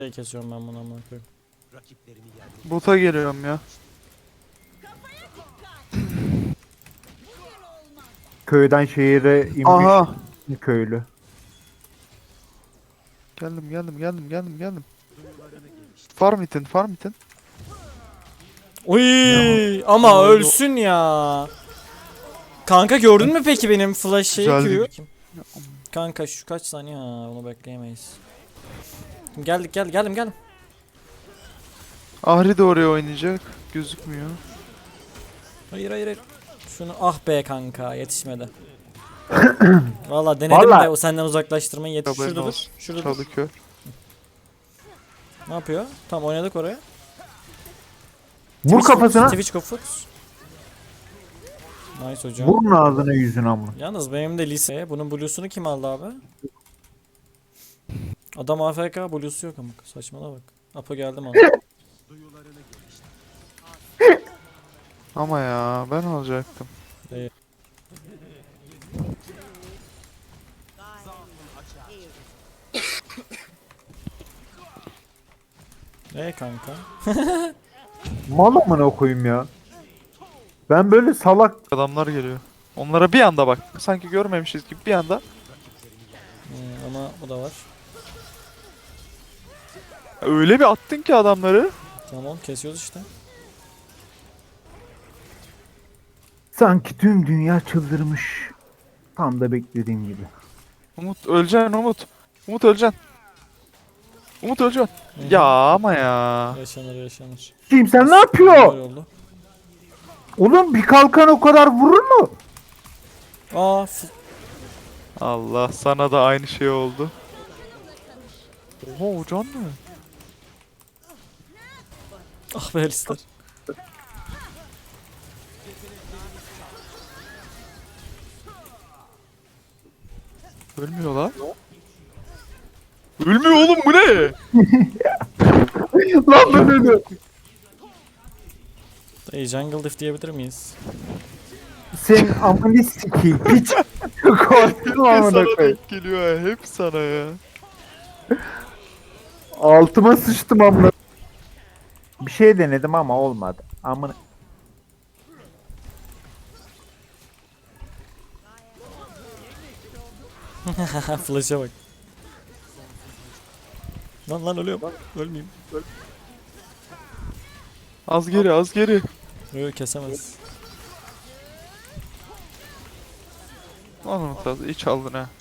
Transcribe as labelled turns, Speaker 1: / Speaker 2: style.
Speaker 1: Kesiyorum ben bunu amına koyayım.
Speaker 2: Bota geliyorum ya.
Speaker 3: Köyden şehire inmiş
Speaker 2: Aha.
Speaker 3: köylü.
Speaker 2: Geldim. Farm itin.
Speaker 1: Uy ama
Speaker 2: Ay,
Speaker 1: ölsün ya. Kanka gördün mü peki benim flash şeyi
Speaker 2: Güzeldi.
Speaker 1: Q'yu? Kanka şu kaç saniye ha onu bekleyemeyiz. Geldim.
Speaker 2: Ahri de oraya oynayacak. Gözükmüyor.
Speaker 1: Hayır. Şunu ah be kanka yetişmedi. Valla denedim
Speaker 3: Vallahi-
Speaker 1: de o senden uzaklaştırmayı yetiş.
Speaker 2: Haberin
Speaker 1: Şurada dur.
Speaker 2: olsun.
Speaker 1: Şurada dur.
Speaker 2: Çalıkör.
Speaker 1: Ne yapıyor? Tamam oynadık oraya.
Speaker 3: Vur kafasına.
Speaker 1: Twitch Foot. Nice hocam.
Speaker 3: Vurun ağzına yüzüne ama.
Speaker 1: Yalnız benim de lise. Bunun blue'sunu kim aldı abi? Adam AFK blue'su yok ama saçmala bak. Apo geldim abi.
Speaker 2: Ama ya ben alacaktım.
Speaker 1: Kanka.
Speaker 3: Mal amına koyayım ya. Ben böyle salak
Speaker 2: Adamlar geliyor. Onlara bir anda bak. Sanki görmemişiz gibi bir anda.
Speaker 1: Ama o da var.
Speaker 2: Öyle bir attın ki adamları.
Speaker 1: Tamam kesiyoruz işte.
Speaker 3: sanki tüm dünya çıldırmış. Tam da beklediğim gibi.
Speaker 2: Umut öleceksin Umut. Umut öleceksin. Umut öleceksin.
Speaker 1: Hı hı.
Speaker 2: Ya ama ya.
Speaker 1: Yaşanır.
Speaker 3: Kim sen ne
Speaker 1: Böyle
Speaker 3: yapıyor?
Speaker 1: oldu.
Speaker 3: Oğlum bir kalkan o kadar vurur mu?
Speaker 1: Aa
Speaker 2: Allah sana da aynı şey oldu. Oha o can ne?
Speaker 1: ah be Alistar.
Speaker 2: Ölmüyor lan. Ölmüyor oğlum bu ne?
Speaker 3: Lan ben öyle.
Speaker 1: Dayı jungle diff diyebilir miyiz?
Speaker 3: Sen amını sikeyim piç. Korktum amına
Speaker 2: Sana
Speaker 3: koyayım.
Speaker 2: denk geliyor ya. Hep sana ya.
Speaker 3: Altıma sıçtım amına. Bir şey denedim ama olmadı. Amına.
Speaker 1: Flash'a bak. Lan ölüyorum. Ölmeyeyim.
Speaker 2: Az geri az geri.
Speaker 1: Yok kesemez.
Speaker 2: Lan Umut az iyi çaldın ha.